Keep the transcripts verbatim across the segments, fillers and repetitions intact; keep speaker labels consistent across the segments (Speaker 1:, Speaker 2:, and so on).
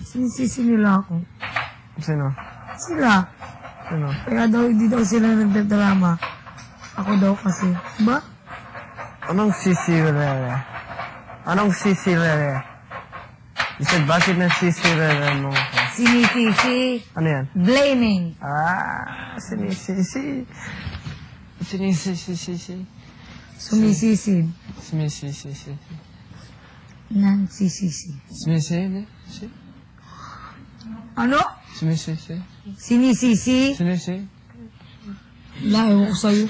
Speaker 1: Sinisisi nila ako.
Speaker 2: Sino?
Speaker 1: Sila.
Speaker 2: Sino?
Speaker 1: Kaya daw, hindi daw sila nagdadrama. Ako daw kasi. Ba?
Speaker 2: Anong sisirere? Anong sisirere? You said, bakit na sisirere mo?
Speaker 1: Sinisisi.
Speaker 2: Ano yan?
Speaker 1: Blaming.
Speaker 2: Ah, sinisisi. Sinisisi.
Speaker 1: Sumisisid.
Speaker 2: Sinisisi.
Speaker 1: Nagsisisi.
Speaker 2: Sinisisi.
Speaker 1: Ano?
Speaker 2: Sinisisi.
Speaker 1: Sinisisi.
Speaker 2: Sinisisi.
Speaker 1: Layo ko sa'yo.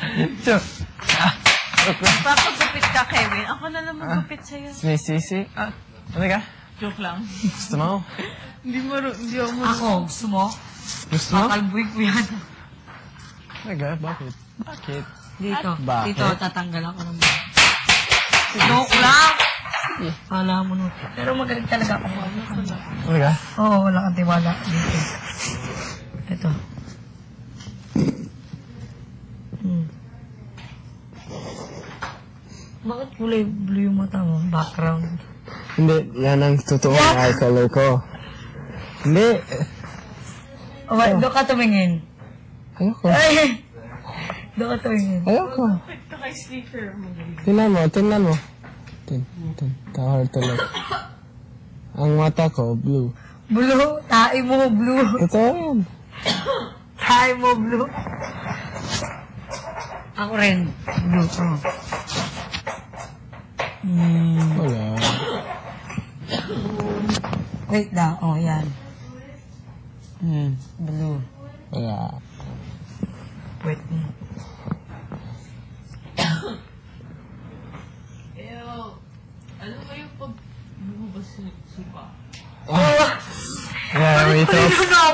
Speaker 3: Papagupit ka, Kevin. Ako na lang magupit sa'yo.
Speaker 2: Sinisisi. Ah, ano ka?
Speaker 3: Joke lang.
Speaker 2: Gusto mo?
Speaker 3: Hindi mo, hindi ako mo.
Speaker 1: Ako, gusto mo?
Speaker 2: Gusto mo?
Speaker 1: Kakalbuy ko yan.
Speaker 2: Talaga? Bakit? Bakit?
Speaker 1: Dito.
Speaker 2: Bakit?
Speaker 1: Dito, tatanggal ako ng mga. Joke lang! Kala mo nun. Pero magaling talaga ako.
Speaker 2: Talaga?
Speaker 1: Oo, wala kang tiwala. Dito. Ito. Hmm. Bakit kulay blue yung mata mo? Background.
Speaker 2: Hindi, yan ang totoong eye color ko. Hindi.
Speaker 1: Oh, oh. Doon ka tumingin.
Speaker 2: Ayoko.
Speaker 1: Ay! Doon ka tumingin.
Speaker 2: Ayoko.
Speaker 3: Ito kay sleeper mo.
Speaker 2: Tingnan mo, tingnan mo. Tin, tin, tahar tuloy. Ang mata ko, blue.
Speaker 1: Blue? Tae mo, blue.
Speaker 2: Ito yan.
Speaker 1: Tae mo, blue. Ako rin. Blue. Oh. Hmm.
Speaker 2: Wala.
Speaker 1: Wait lang. Oh, yan. Hmm. Blue.
Speaker 2: Wala.
Speaker 1: Wait. Hmm.
Speaker 3: Ano ba yung pag lumabas sa supa?
Speaker 2: Yeah, we talk.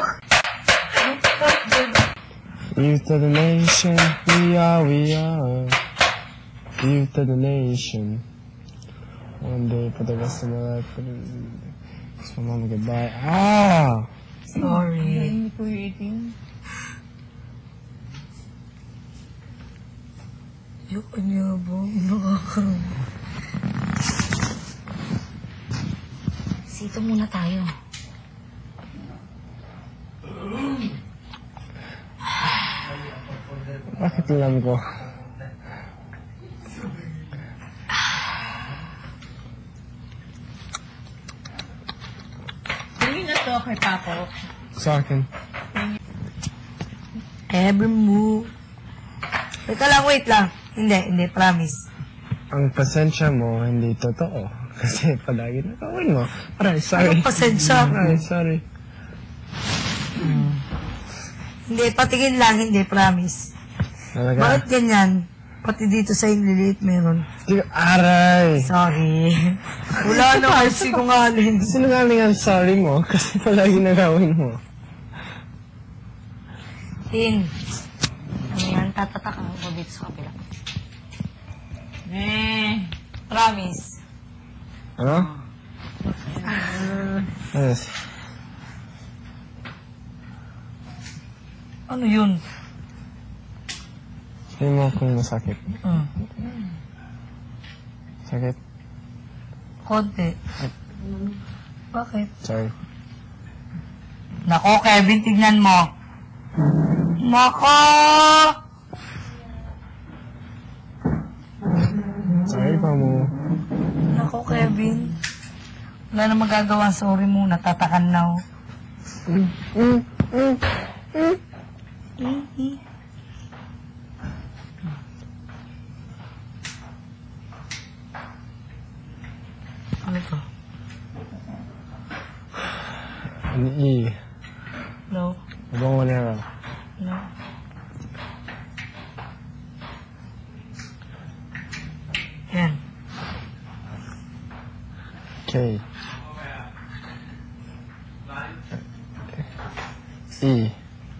Speaker 2: Youth of the nation, we are, we are. Youth of the nation. One day for the rest of my life. So, mama, goodbye. Ah!
Speaker 1: Sorry.
Speaker 3: Hindi ko eating.
Speaker 1: Yung kanya ba? Nakakaroon. Sito muna tayo.
Speaker 2: Bakit alam ko?
Speaker 3: Tingin na to kay Papo.
Speaker 2: Sa akin.
Speaker 1: Every move. Wait lang, wait lang. Hindi, hindi, promise.
Speaker 2: Ang pasensya mo, hindi totoo. Kasi palagi nakawin mo. Aray, sorry.
Speaker 1: Anong pasensya?
Speaker 2: Aray, sorry.
Speaker 1: Hmm. Hindi, patingin lang, hindi, promise.
Speaker 2: Talaga?
Speaker 1: Bakit ganyan? Pati dito sa inliliit meron.
Speaker 2: Di, aray!
Speaker 1: Sorry. Wala na kayo sinungaling.
Speaker 2: Sinungaling ang sorry mo kasi palagi nakawin mo.
Speaker 1: Tin. Ano yan? Tatatak ako dito sa kapila.
Speaker 3: Eh.
Speaker 1: Promise.
Speaker 2: Ano? Yes.
Speaker 1: Ano yun?
Speaker 2: Hindi mo kung masakit.
Speaker 1: Hmm.
Speaker 2: Sakit?
Speaker 1: Konti. Bakit?
Speaker 2: Sorry.
Speaker 1: Nako, Kevin, tignan mo. Nako!
Speaker 2: Sorry pa mo.
Speaker 1: Nako, Kevin. Wala na magagawa. Sorry mo. Natatakan na ako.
Speaker 2: Mm, mm, mm, mm.
Speaker 1: Mm, mm. Ano to?
Speaker 2: An E.
Speaker 1: No.
Speaker 2: Abang manera.
Speaker 1: No. Yan.
Speaker 2: K. E.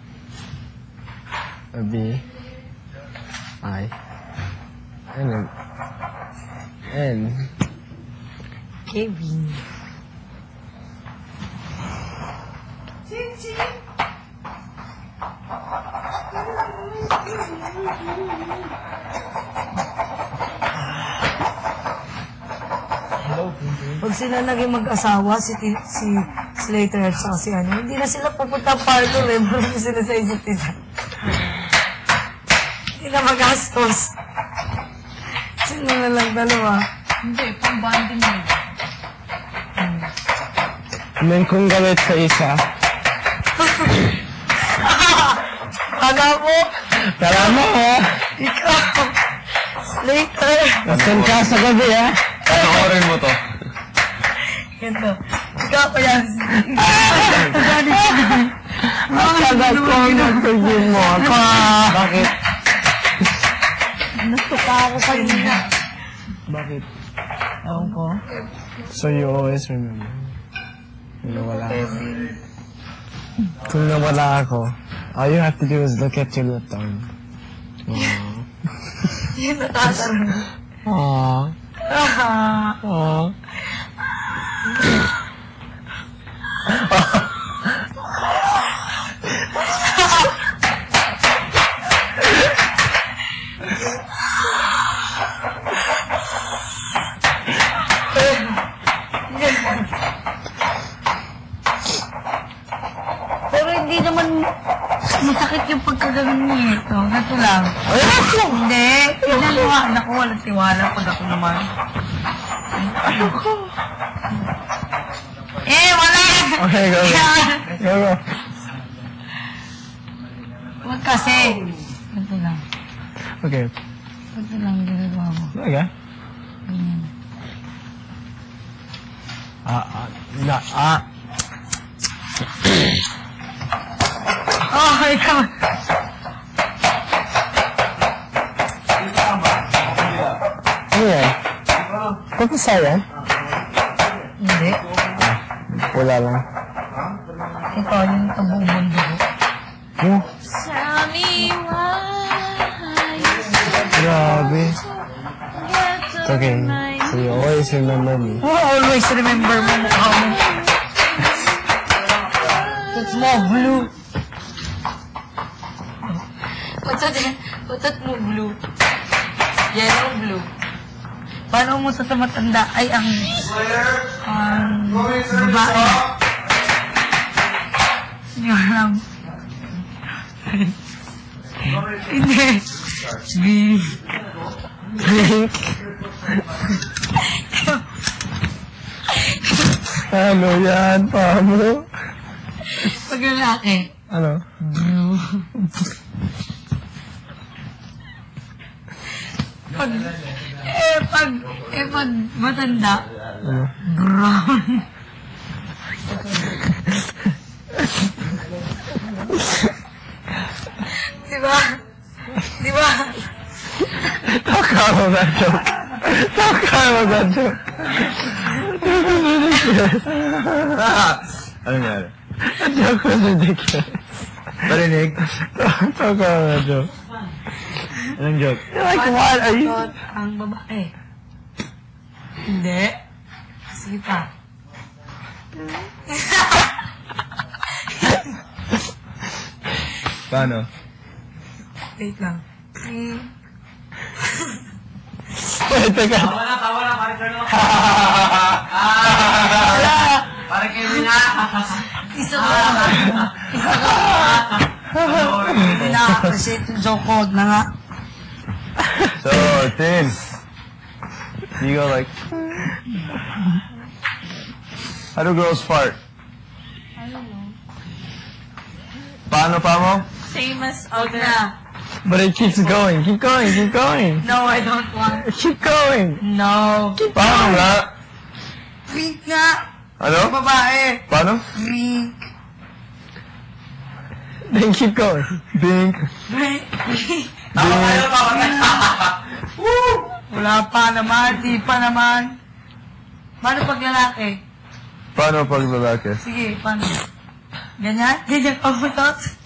Speaker 2: A B. I. And then N.
Speaker 1: Kevin. Pag sila naging mag-asawa, si, si Slater at saka si ano. Hindi na sila pupunta parlor eh. Marami sila sa isa't isa. Hindi na magastos. Sila na lang dalawa.
Speaker 3: Hindi, pang bonding mo.
Speaker 2: And then kung galit sa isa,
Speaker 1: Kala mo,
Speaker 2: tara mo ha!
Speaker 1: ikaw, Slater.
Speaker 2: Nasaan ka sa gabi ha?
Speaker 4: Panoorin mo to.
Speaker 1: Ganto. Ikaw kaya.
Speaker 2: Makagat ko ang nagpagin mo ako. Bakit?
Speaker 1: Natuka ako kanina.
Speaker 2: Bakit?
Speaker 1: Ewan ko.
Speaker 2: So you always remember. Kung nawala ako. Kung nawala ako, all you have to do is look at your left arm. Aww.
Speaker 1: Yan natatarong.
Speaker 2: Aww.
Speaker 1: Ah.
Speaker 2: Aww.
Speaker 1: Pero hindi naman masakit yung pagkaganon niya ito. Ganito lang. Hindi. Pinaliwaan ako. Walang tiwala pag ako naman. Eh, wala!
Speaker 2: Okay, go, go. Go, go.
Speaker 1: Huwag kasi. Ganito lang.
Speaker 2: Okay.
Speaker 1: Ganito lang ginagawa mo.
Speaker 2: Okay.
Speaker 1: Ganyan.
Speaker 2: Ah, ah, na, ah.
Speaker 1: Oh, ikaw.
Speaker 2: Ano yan? Papasa yan?
Speaker 1: Hindi.
Speaker 2: Wala lang.
Speaker 1: Ito, yung tabong mundo ko.
Speaker 2: Oh,
Speaker 3: Tell me why
Speaker 2: grabe.
Speaker 3: you
Speaker 2: It's okay. So you always remember me.
Speaker 1: Oh, always remember mo mukha mo. It's more blue. Batot, batot mo blue. Yellow blue. Paano mo sa tumatanda ay ang ang babae? Hindi ko alam. Hindi. Blink.
Speaker 2: Blink. Ano yan, Pamo?
Speaker 1: Pag lalaki.
Speaker 2: Ano?
Speaker 1: Blue. Pag, eh, pag, eh, pag matanda,
Speaker 2: Ano?
Speaker 1: brown. Diba? Diba?
Speaker 2: Talk about that joke. Talk about that joke.
Speaker 4: Ano nangyari?
Speaker 2: That joke was ridiculous.
Speaker 4: Narinig?
Speaker 2: Talk about that joke.
Speaker 4: Anong joke?
Speaker 2: You're like, what are you?
Speaker 1: Suot ang babae. Hindi. Sige pa.
Speaker 4: Paano?
Speaker 1: Wait lang. Eh,
Speaker 2: Wait, teka.
Speaker 4: Parang kayo nga.
Speaker 1: isa ko lang. Isa ko lang. Hindi na-appreciate yung joke ko. Huwag na nga.
Speaker 4: So, Tin. You go like... How do girls fart?
Speaker 3: I don't know.
Speaker 4: Paano pa mo?
Speaker 3: Same as
Speaker 1: Huwag
Speaker 3: other.
Speaker 1: na.
Speaker 2: But it keeps going. Keep going. Keep going.
Speaker 1: No, I don't want.
Speaker 2: Keep going.
Speaker 1: No.
Speaker 4: Paano nga?
Speaker 1: Wink nga.
Speaker 4: Ano?
Speaker 1: Babae.
Speaker 4: Paano?
Speaker 1: Wink.
Speaker 2: Then keep going.
Speaker 4: Bink.
Speaker 1: Wink.
Speaker 4: Bink.
Speaker 1: Wala pa naman. Di pa naman. Paano pag lalaki?
Speaker 4: Paano pag lalaki?
Speaker 1: Sige, paano? Ganyan? Ganyan pag butot?